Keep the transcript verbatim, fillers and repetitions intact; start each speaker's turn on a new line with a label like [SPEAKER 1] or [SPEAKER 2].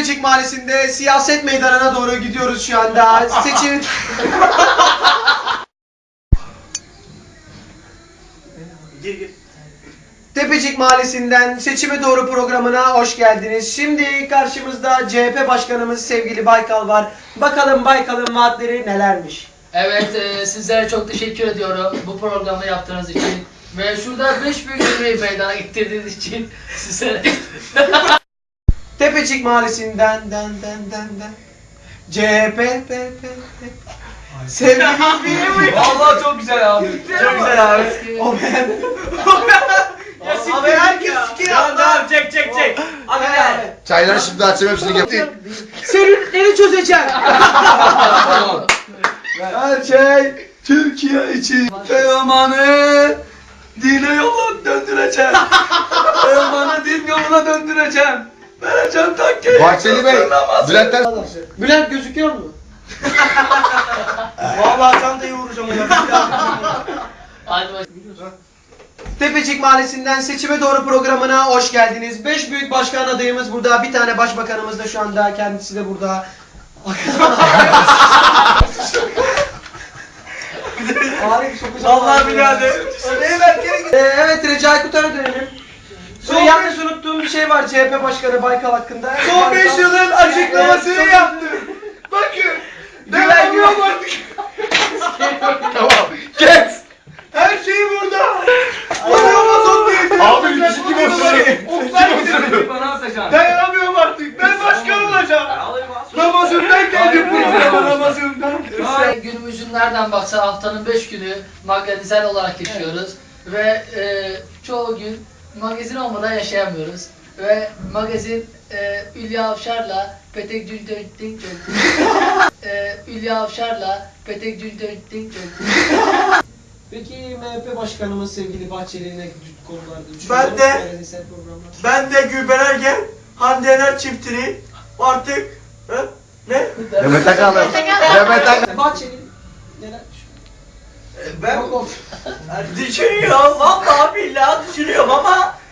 [SPEAKER 1] Tepecik Mahallesi'nde siyaset meydanına doğru gidiyoruz şu anda. Seçim... Gir gir. Tepecik Mahallesi'nden Seçime Doğru programına hoş geldiniz. Şimdi karşımızda C H P Başkanımız sevgili Baykal var. Bakalım Baykal'ın vaatleri nelermiş?
[SPEAKER 2] Evet, e, sizlere çok teşekkür ediyorum bu programı yaptığınız için. Ve şurada beş büyük cümleyi meydana getirdiğiniz için size...
[SPEAKER 1] Tepecik Mahallesi'nden den den den den C H P P P P sevgili İzmir'im.
[SPEAKER 3] Vallahi çok güzel abi.
[SPEAKER 1] Çok güzel abi. O ben. Abi herkes sikir yaptı.
[SPEAKER 3] Tamam çek çek çek. Hadi gel.
[SPEAKER 4] Çayları şimdi açayım hepsini getir.
[SPEAKER 1] Seninleri çözeceğim.
[SPEAKER 4] Tamam.
[SPEAKER 1] Her şey Türkiye için.
[SPEAKER 3] Teoman'ı dine yola döndüreceğim. Teoman'ı din yoluna döndüreceğim. Vereceğim takkeyi.
[SPEAKER 4] Bahçeli Bey, Bülent'ten...
[SPEAKER 1] Bülent gözüküyor mu?
[SPEAKER 3] Vallahi çantayı vuracağım ona.
[SPEAKER 2] Hadi bakalım.
[SPEAKER 1] Tepecik Mahallesi'nden Seçime Doğru programına hoş geldiniz. Beş büyük başkan adayımız burada. Bir tane başbakanımız da şu anda. Kendisi de burada.
[SPEAKER 3] Vallahi birader.
[SPEAKER 1] Ee, evet Recai Kutar'a dönelim. Son yalnız unuttuğum bir şey var C H P Başkanı Baykal hakkında.
[SPEAKER 3] Son beş yılın açıklamasını yaptı. Bakın. Dayanamıyorum artık.
[SPEAKER 4] Tamam, kes!
[SPEAKER 3] Her şey burada. Dayanamaz değil.
[SPEAKER 4] Abi, yüzü kim öpüyor?
[SPEAKER 3] Oklar gidiyor. Dayanamıyorum artık. Ben başkan olacağım. Ramazan'dan geldim buraya. Ramazan'dan.
[SPEAKER 2] Ve günümüzün nereden baksa haftanın beş günü magazinsel olarak geçiyoruz. Ve e, çoğu gün magazin olmadan yaşayamıyoruz. Ve magazin e, Hülya Avşar'la Petek Cündöntink e, Hülya Avşar'la Petek Cündöntink
[SPEAKER 1] Peki M H P Başkanımız sevgili Bahçeli ne konularda
[SPEAKER 3] Ben de-
[SPEAKER 1] magazinsel programlar?
[SPEAKER 3] Ben de Gülben Ergen, Hande Yener çiftini artık he? Ne?
[SPEAKER 4] Demet Akalın. Demet Akalın.
[SPEAKER 1] Bahçeli neler düşünüyor?
[SPEAKER 3] Ben düşünüyorum, vallahi billahi düşünüyorum ama